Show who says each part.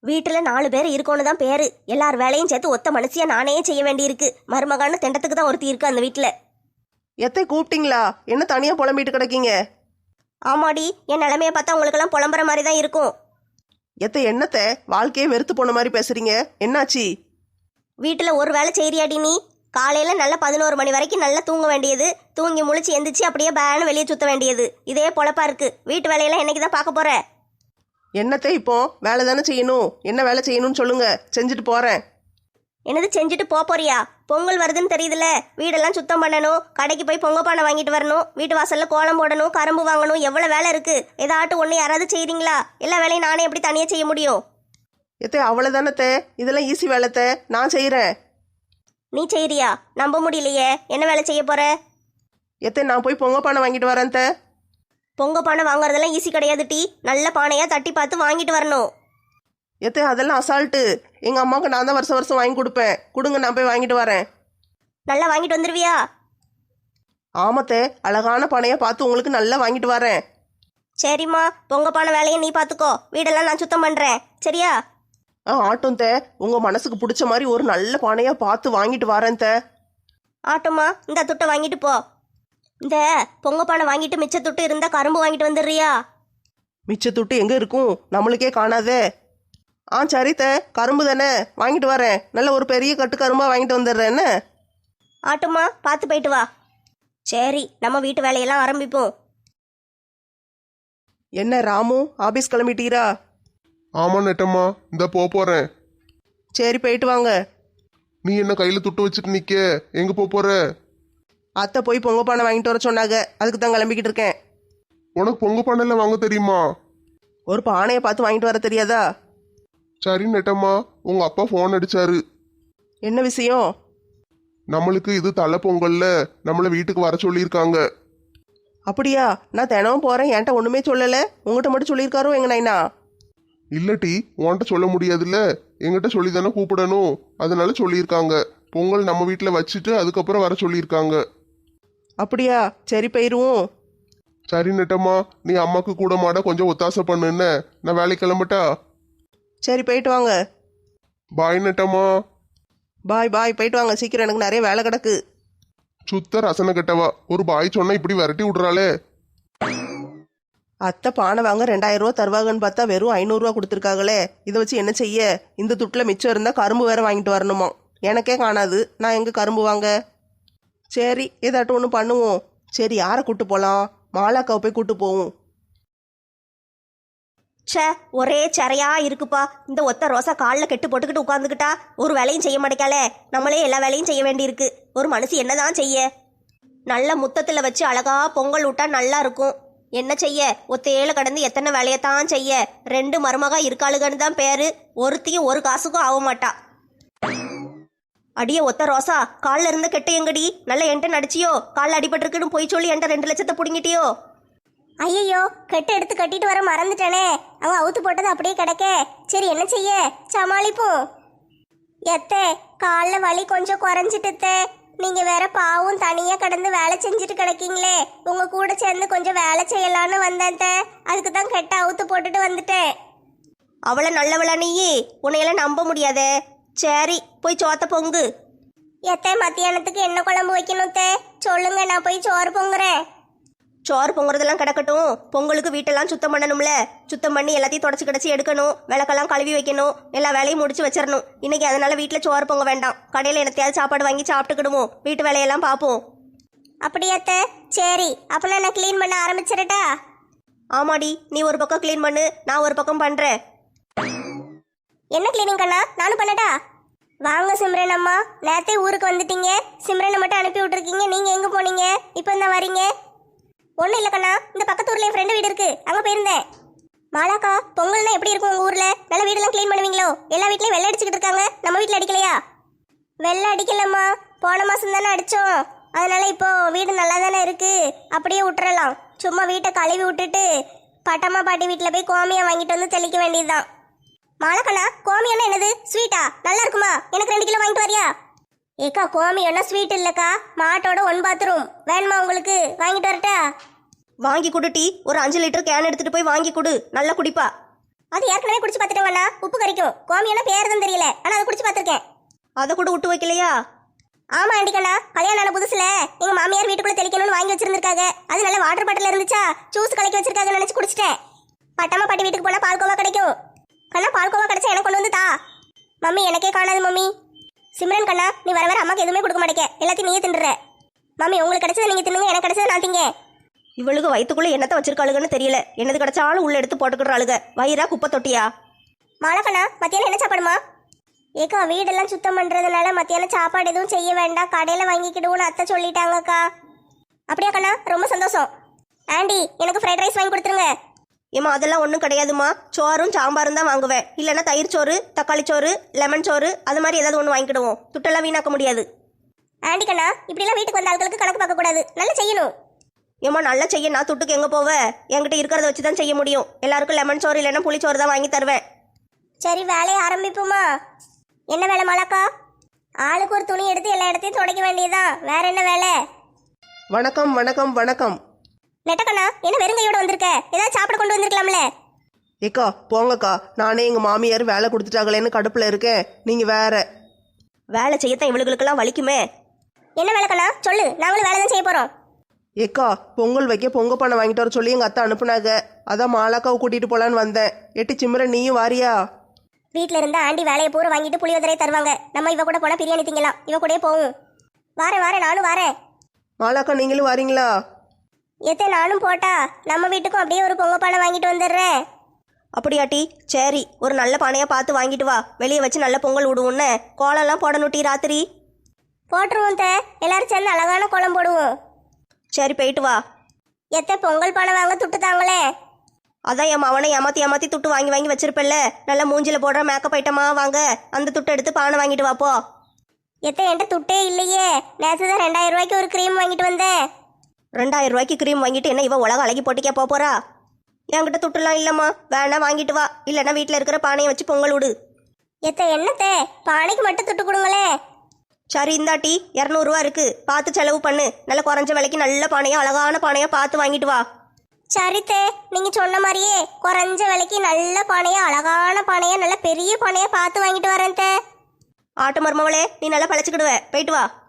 Speaker 1: வீட்டில் 4 பேர் இருக்கோன்னு தான் பேரு. எல்லார் வேலையும் சேர்த்து ஒத்த மனுஷியா நானே செய்ய வேண்டியிருக்கு. மருமகான்னு திண்டத்துக்கு தான் ஒருத்தி இருக்கு அந்த வீட்டில்.
Speaker 2: எத்தை கூப்பிட்டீங்களா? என்ன தனியாக புலம்பிட்டு கிடக்கீங்க?
Speaker 1: ஆமாடி, என் நிலைமையை பார்த்தா உங்களுக்கெல்லாம் புலம்புற மாதிரி தான் இருக்கும்.
Speaker 2: எத்தை என்னத்தை வாழ்க்கையே வெறுத்து போன மாதிரி பேசுறீங்க? என்னாச்சு?
Speaker 1: வீட்டில் ஒரு வேலை செய்றியாடி நீ? காலையில் நல்லா 11 மணி வரைக்கும் நல்லா தூங்க வேண்டியது, தூங்கி முழிச்சு எந்திரிச்சு அப்படியே பேனு வெளியே சுற்ற வேண்டியது. இதே பொழப்பா இருக்கு. வீட்டு வேலையெல்லாம் என்னைக்கு தான் பார்க்க போற?
Speaker 2: என்னத்தை இப்போ வேலை தானே செய்யணும். என்ன வேலை செய்யணும்னு சொல்லுங்க, செஞ்சுட்டு போறேன்.
Speaker 1: என்னது செஞ்சுட்டு போறியா? பொங்கல் வருதுன்னு தெரியுதுல, வீடெல்லாம் சுத்தம் பண்ணணும், கடைக்கு போய் பொங்க பானை வாங்கிட்டு வரணும், வீட்டு வாசல்ல கோலம் போடணும், கரும்பு வாங்கணும், எவ்வளோ வேலை இருக்கு. ஏதாட்டும் ஒன்று யாராவது செய்றீங்களா? எல்லா வேலையும் நானே எப்படி தனியாக செய்ய முடியும்?
Speaker 2: எத்தை அவ்வளோதானத்தை, இதெல்லாம் ஈஸி வேலைத்தை, நான் செய்கிறேன்.
Speaker 1: நீ செய்றியா? நம்ப முடியலையே. என்ன வேலை செய்ய போற?
Speaker 2: எத்தை நான் போய் பொங்க பானை வாங்கிட்டு வரேன்.
Speaker 1: பொங்க பானை வாங்குறதெல்லாம் ஈஸி கிடையாது டி. நல்ல பானையா தட்டி பார்த்து வாங்கிட்டு வரணும்.
Speaker 2: எத்தை அதெல்லாம் அசால்ட்டு. எங்கள் அம்மாவுக்கு நான் தான் வருஷம் வருஷம் வாங்கி கொடுப்பேன். கொடுங்க, நான் போய் வாங்கிட்டு வரேன்.
Speaker 1: நல்லா வாங்கிட்டு வந்துருவியா?
Speaker 2: ஆமத்தே, அழகான பானையை பார்த்து உங்களுக்கு நல்லா வாங்கிட்டு வரேன்.
Speaker 1: சரிம்மா, பொங்க பானை வேலையை நீ பார்த்துக்கோ, வீடெல்லாம் நான் சுத்தம் பண்ணுறேன். சரியா?
Speaker 2: ஆட்டும் தே, உங்கள் மனசுக்கு பிடிச்ச மாதிரி ஒரு நல்ல பானையாக பார்த்து வாங்கிட்டு வரேன் தே.
Speaker 1: ஆட்டுமா, இந்த துட்டை வாங்கிட்டு போ. இந்த பொங்க பானை வாங்கிட்டு மிச்ச துட்டு இருந்தா கரும்பு வாங்கிட்டு வந்துடுறியா?
Speaker 2: மிச்ச துட்டு எங்கே இருக்கும்? நம்மளுக்கே காணாதே. சரி தே, கரும்பு தானே, வாங்கிட்டு வரேன். நல்ல ஒரு பெரிய கட்டு கரும்பாக வாங்கிட்டு வந்துடுறேன். என்ன
Speaker 1: ஆட்டுமா, பார்த்து போயிட்டு வா. சரி, நம்ம வீட்டு வேலையெல்லாம் ஆரம்பிப்போம்.
Speaker 2: என்ன ராமு, ஆபீஸ் கிளம்பிட்டீரா?
Speaker 3: ஆமா நெட்டம்மா, இந்த போறேன்.
Speaker 2: சரி, போயிட்டு வாங்க.
Speaker 3: நீ என்ன கையில துட்டு வச்சுட்டு நிக்க? எங்க போற?
Speaker 2: அத்தை போய் பொங்க பானை வாங்கிட்டு வர சொன்னாங்க, அதுக்கு தான் கிளம்பிக்கிட்டு இருக்கேன்.
Speaker 3: உனக்கு பொங்க பானைல வாங்க தெரியுமா?
Speaker 2: ஒரு பானையை பார்த்து வாங்கிட்டு வர தெரியாதா?
Speaker 3: சரி நெட்டம்மா, உங்க அப்பா ஃபோன் அடிச்சாரு.
Speaker 2: என்ன விஷயம்?
Speaker 3: நம்மளுக்கு இது தலை பொங்கல்ல நம்மள வீட்டுக்கு வர சொல்லியிருக்காங்க.
Speaker 2: அப்படியா? நான் தினமும் போறேன், என்கிட்ட ஒண்ணுமே சொல்லல. உங்ககிட்ட மட்டும் சொல்லியிருக்காரோ எங்க நைனா?
Speaker 3: இல்லட்டி உன்கிட்ட சொல்ல முடியாதுல்ல, எங்கிட்ட சொல்லி தானே கூப்பிடணும். அதனால சொல்லியிருக்காங்க. பொங்கல் நம்ம வீட்டில் வச்சுட்டு அதுக்கப்புறம் வர சொல்லியிருக்காங்க.
Speaker 2: அப்படியா? சரி, போயிருவோம்.
Speaker 3: சரி நெட்டம்மா, நீ அம்மாக்கு கூட மாட கொஞ்சம் ஒத்தாசை பண்ணுன்னு. நான் வேலைக்கு கிளம்பட்டா?
Speaker 2: சரி, போயிட்டு வாங்க.
Speaker 3: பாய் நெட்டம்மா.
Speaker 2: பாய் பாய், போயிட்டு வாங்க சீக்கிரம், எனக்கு நிறைய வேலை கிடக்கு.
Speaker 3: சுத்த ரசனை கெட்டவா, ஒரு பாய் சொன்னா இப்படி விரட்டி விடுறாளே.
Speaker 2: அத்தை பானை வாங்க 2000 ரூபா தருவாங்கன்னு பார்த்தா வெறும் 500 ரூபா கொடுத்துருக்காங்களே. இதை வச்சு என்ன செய்ய? இந்த துட்டில் மிச்சம் இருந்தால் கரும்பு வேற வாங்கிட்டு வரணுமா? எனக்கே காணாது, நான் எங்கே கரும்பு வாங்க? சரி, ஏதாட்டும் ஒன்று பண்ணுவோம். சரி, யாரை கூட்டு போகலாம்? மாலாக்காவை போய் கூட்டு போவோம்.
Speaker 1: ச்சே, ஒரே சரையா இருக்குப்பா. இந்த ஒத்த ரோசா காலில் கெட்டு போட்டுக்கிட்டு உட்காந்துக்கிட்டா ஒரு வேலையும் செய்ய மாட்டேக்காலே. நம்மளே எல்லா வேலையும் செய்ய வேண்டியிருக்கு. ஒரு மனுஷி என்னதான் செய்ய? நல்ல முத்தத்தில் வச்சு அழகா பொங்கல் விட்டா நல்லா இருக்கும். என்ன செய்ய? ஒத்தையில கடந்து எத்தனை வேலையத்தான் செய்ய? 2 மருமகா இருக்காளுகன்னு தான் பேரு. ஒருத்தியும் ஒரு காசுக்கும் ஆக மாட்டா. அடியே ஒத்த ரோசா, காலில் இருந்த கெட்ட எங்கடி? நல்ல என்கிட்ட நடிச்சியோ? காலில் அடிபட்டிருக்குன்னு போய் சொல்லி என்கிட்ட 2 லட்சத்தை பிடுங்கிட்டியோ?
Speaker 4: ஐயோ, கெட்ட எடுத்து கட்டிட்டு வர மறந்துட்டானே. அவன் அவுத்து போட்டது அப்படியே கிடக்க. சரி, என்ன செய்ய? சமாளிப்போம். எத்தே, காலில் வலி கொஞ்சம் குறைஞ்சிட்டுத்தே. நீங்க வேற பாவும் தனியா கடந்து வேலை செஞ்சுட்டு கிடக்கீங்களே. உங்க கூட சேர்ந்து கொஞ்சம் வேலை செய்யலான்னு வந்தேன். அதுக்கு தான் கெட்ட அவுத்து போட்டுட்டு வந்துட்டேன்.
Speaker 1: அவளை நல்லவளா நீயே? உன்னையெல்லாம் நம்ப முடியாதே. சரி, போய் சோத்த பொங்கு.
Speaker 4: எத்தே, மத்தியானத்துக்கு என்ன குழம்பு வைக்கணும் தே? சொல்லுங்க, நான் போய் சோறு பொங்குறேன்.
Speaker 1: சோறு பொங்குறதெல்லாம் கிடக்கட்டும். பொங்கலுக்கு வீட்டெல்லாம் சுத்தம் பண்ணணும்ல. சுத்தம் பண்ணி எல்லாத்தையும் தொடச்சி கிடச்சி எடுக்கணும். விளக்கெல்லாம் கழுவி வைக்கணும். எல்லா வேலையும் முடிச்சு வச்சிடணும் இன்னைக்கு. அதனால வீட்டில் சோறு பொங்க வேண்டாம். கடையில் என்னத்தையாவது சாப்பாடு வாங்கி சாப்பிட்டுக்கிடுவோம். வீட்டு வேலையெல்லாம் பார்ப்போம்.
Speaker 4: அப்படியாத்த? சரி, அப்பனா நான் க்ளீன் பண்ண ஆரம்பிச்சிடட்டா?
Speaker 1: ஆமாடி, நீ ஒரு பக்கம் க்ளீன் பண்ணு, நான் ஒரு பக்கம் பண்ணுறேன்.
Speaker 4: என்ன க்ளீனிங் கண்ணா? நானும் பண்ணட்டா? வாங்க சிம்ரன் அம்மா, நேத்தே ஊருக்கு வந்துட்டீங்க. சிம்ரனை மட்டும் அனுப்பி விட்டுருக்கீங்க. நீங்க எங்க போனீங்க? இப்போ தான் வரீங்க? ஒன்றும் இல்லை கண்ணா, இந்த பக்கத்து ஊர்ல என் ஃப்ரெண்டு வீடு இருக்கு, அங்கே போயிருந்தேன். மாலாக்கா, பொங்கல்னா எப்படி இருக்கும் உங்கள் ஊரில்? நல்ல வீடெல்லாம் க்ளீன் பண்ணுவீங்களோ? எல்லா வீட்லையும் வெள்ளை அடிச்சுக்கிட்டு இருக்காங்க, நம்ம வீட்டில் அடிக்கலையா? வெள்ளை அடிக்கலம்மா, போன மாதம் தானே அடித்தோம். அதனால இப்போ வீடு நல்லா தானே இருக்கு, அப்படியே விட்டுறலாம். சும்மா வீட்டை கழுவி விட்டுட்டு பட்டம்மா பாட்டி வீட்டில் போய் கோமியம் வாங்கிட்டு வந்து தெளிக்க வேண்டியதுதான். மாலாக்கண்ணா, கோமியம்னா என்னது? ஸ்வீட்டா? நல்லா இருக்குமா? எனக்கு 2 கிலோ வாங்கிட்டு வரியா? ஏக்கா, கோமியம்னா ஸ்வீட் இல்லைக்கா, மாட்டோட 1 பாத்ரூம். வேணுமா உங்களுக்கு? வாங்கிட்டு வரட்டா?
Speaker 1: வாங்கி கொடு டீ. ஒரு 5 லிட்டர் கேன் எடுத்துட்டு போய் வாங்கி கொடு, நல்லா குடிப்பா.
Speaker 4: அது ஏற்கனவே குடிச்சு பார்த்துட்டேங்கண்ணா, உப்பு கறிக்கும். கோமியம்னா பேருதுன்னு தெரியல, ஆனா அதை குடிச்சு பார்த்துருக்கேன்.
Speaker 1: அதை கூட விட்டு வைக்கலையா?
Speaker 4: ஆமா ஆண்டிக்கண்ணா, கல்யாணம் ஆன புதுசுல எங்க மாமியார் வீட்டுக்குள்ள தெளிக்கணும்னு வாங்கி வச்சிருந்திருக்காங்க. அது நல்ல வாட்டர் பாட்டில் இருந்துச்சா, ஜூஸ் கலக்கி வச்சிருக்காங்கன்னு நினைச்சு குடிச்சிட்டேன். பட்டம்மா பாட்டி வீட்டுக்கு போனா பால்கோவா கிடைக்கும். கண்ணா பால்கோவா கிடைச்சா எனக்கு கொண்டு வந்து தா. மம்மி எனக்கே காணாது மம்மி. சிம்ரன் கண்ணா, நீ வர வர அம்மாக்கு எதுவுமே கொடுக்க மாட்டேங்க, எல்லாத்தையும் நீயே தின்னுற. மம்மி உங்களுக்கு கிடைச்சதை நீங்க தின்னுங்க, எனக்கு கிடைச்சதை நான் திங்க.
Speaker 1: இவளுக்கு வயிற்றுக்குள்ள என்னத்தை வச்சிருக்காளுகன்னு தெரியல. என்னது கிடைச்சாலும் உள்ள எடுத்து போட்டுக்கிடுறாளுக. வயிறா குப்பை தொட்டியா?
Speaker 4: மாலக்கண்ணா, மத்தியானம் என்ன சாப்பாடுமா? ஏக்கா வீடெல்லாம் சுத்தம் பண்றதுனால மத்தியானம் சாப்பாடு எதுவும் செய்ய வேண்டாம், கடையில வாங்கிக்கிடுவோன்னு அத்தை சொல்லிட்டாங்கக்கா. அப்படியா கண்ணா, ரொம்ப சந்தோஷம். ஆண்டி எனக்கு ஃப்ரைட் ரைஸ் வாங்கி கொடுத்துருங்க.
Speaker 1: ஏமா அதெல்லாம் ஒன்றும் கிடையாதுமா. சோறும் சாம்பாரும் தான் வாங்குவேன். இல்லைன்னா தயிர் சோறு, தக்காளி சோறு, லெமன் சோறு அது மாதிரி ஏதாவது ஒன்று வாங்கிக்கிடுவோம். துட்டெல்லாம் வீணாக்க முடியாது.
Speaker 4: ஆண்டி கண்ணா, இப்படிலாம் வீட்டுக்கு வந்த ஆட்களுக்கு கணக்கு பார்க்க கூடாது, நல்லா செய்யணும்.
Speaker 1: ஏமா நல்லா செய்ய நான் துட்டுக்கு எங்கே போவேன்? என்கிட்ட இருக்கிறத வச்சு தான் செய்ய முடியும். எல்லாருக்கும் லெமன் சோறு இல்லைன்னா புளிச்சோறு தான் வாங்கி தருவேன்.
Speaker 4: சரி வேலையை ஆரம்பிப்போமா? என்ன வேலை மாலாக்கா? ஆளுக்கு ஒரு துணி எடுத்து எல்லா இடத்தையும் துடைக்க வேண்டியதுதான், வேற என்ன வேலை?
Speaker 2: வணக்கம் வணக்கம் வணக்கம்.
Speaker 4: நெட்டக்கண்ணா, என்ன வெறுங்கையோட வந்திருக்க? ஏதாவது சாப்பிட கொண்டு வந்திருக்கலாம்ல.
Speaker 2: ஏக்கா போங்கக்கா, நானே எங்கள் மாமியார் வேலை கொடுத்துட்டாங்களேன்னு கடுப்பில் இருக்கேன். நீங்கள் வேற.
Speaker 1: வேலை செய்யத்தான் இவளுகளுக்கெல்லாம் வலிக்குமே.
Speaker 4: என்ன வேலை கண்ணா சொல்லு, நாங்களும் வேலை தான் செய்ய போறோம்.
Speaker 2: ஏக்கா பொங்கல் வைக்க பொங்க பானை வாங்கிட்டு வர சொல்லி எங்கள் அத்தை அனுப்புனாங்க. அதான் மாலாக்காவை கூட்டிகிட்டு போகலான்னு வந்தேன். எட்டி சிம்ரன் நீயும் வாரியா?
Speaker 4: வீட்டில் இருந்தா ஆண்டி வேலையை பூரா வாங்கிட்டு புளியோதரை தருவாங்க. நம்ம இவ கூட போனால் பிரியாணி திங்கலாம். இவ கூடயே போவோம். வாரேன் நானும் வாரேன்.
Speaker 2: மாலாக்கா நீங்களும் வாரீங்களா?
Speaker 4: எத்தே நானும் போட்டா நம்ம வீட்டுக்கும் அப்படியே ஒரு பொங்க பானை வாங்கிட்டு வந்துடுறேன்.
Speaker 1: அப்படியாட்டி? சரி, ஒரு நல்ல பானையாக பார்த்து வாங்கிட்டு வா. வெளியே வச்சு நல்ல பொங்கல் விடுவோன்னு. கோலம்லாம் போடணுட்டி ராத்திரி.
Speaker 4: போட்டுருவோம் தே, எல்லாரும் சேர்ந்து அழகான கோலம் போடுவோம்.
Speaker 1: சரி போயிட்டு வா.
Speaker 4: எத்த பொங்கல் பானை வாங்க துட்டு தாங்களே.
Speaker 1: அதான் என் மவனை ஏமாத்தி துட்டு வாங்கி வாங்கி வச்சிருப்பல்ல. நல்லா மூஞ்சில போடுற மேக்கப் ஐட்டமா வாங்க. அந்த துட்டை எடுத்து பானை வாங்கிட்டு வாப்போ.
Speaker 4: எத்த என்கிட்ட துட்டே இல்லையே. நேற்று தான் 2000 ரூபாய்க்கு ஒரு க்ரீம் வாங்கிட்டு வந்தேன்.
Speaker 1: 2000 ரூபாய்க்கு க்ரீம் வாங்கிட்டு என்ன இவ உலக அழகி போட்டிக்கா போறா? என்கிட்ட துட்டுலாம் இல்லம்மா. வேணா வாங்கிட்டு வா. இல்லைன்னா வீட்டில் இருக்கிற பானையை வச்சு பொங்கல் விடு.
Speaker 4: எத்த என்னத்தே, பானைக்கு மட்டும் துட்டு கொடுங்களே.
Speaker 1: சரி இந்தாட்டி 200 ரூபா இருக்கு. பார்த்து செலவு பண்ணு. நல்ல குறைஞ்ச விலைக்கு நல்ல பானையா அழகான பானையா பார்த்து வாங்கிட்டு வா.
Speaker 4: சரித்தே, நீங்க சொன்ன மாதிரியே குறைஞ்ச விலைக்கு நல்ல பானையா அழகான பானையா நல்ல பெரிய பானையா பார்த்து வாங்கிட்டு வரேன் தே.
Speaker 1: ஆட்டு மருமவளே, நீ நல்லா பழச்சிக்கிடுவ. போயிட்டு வா.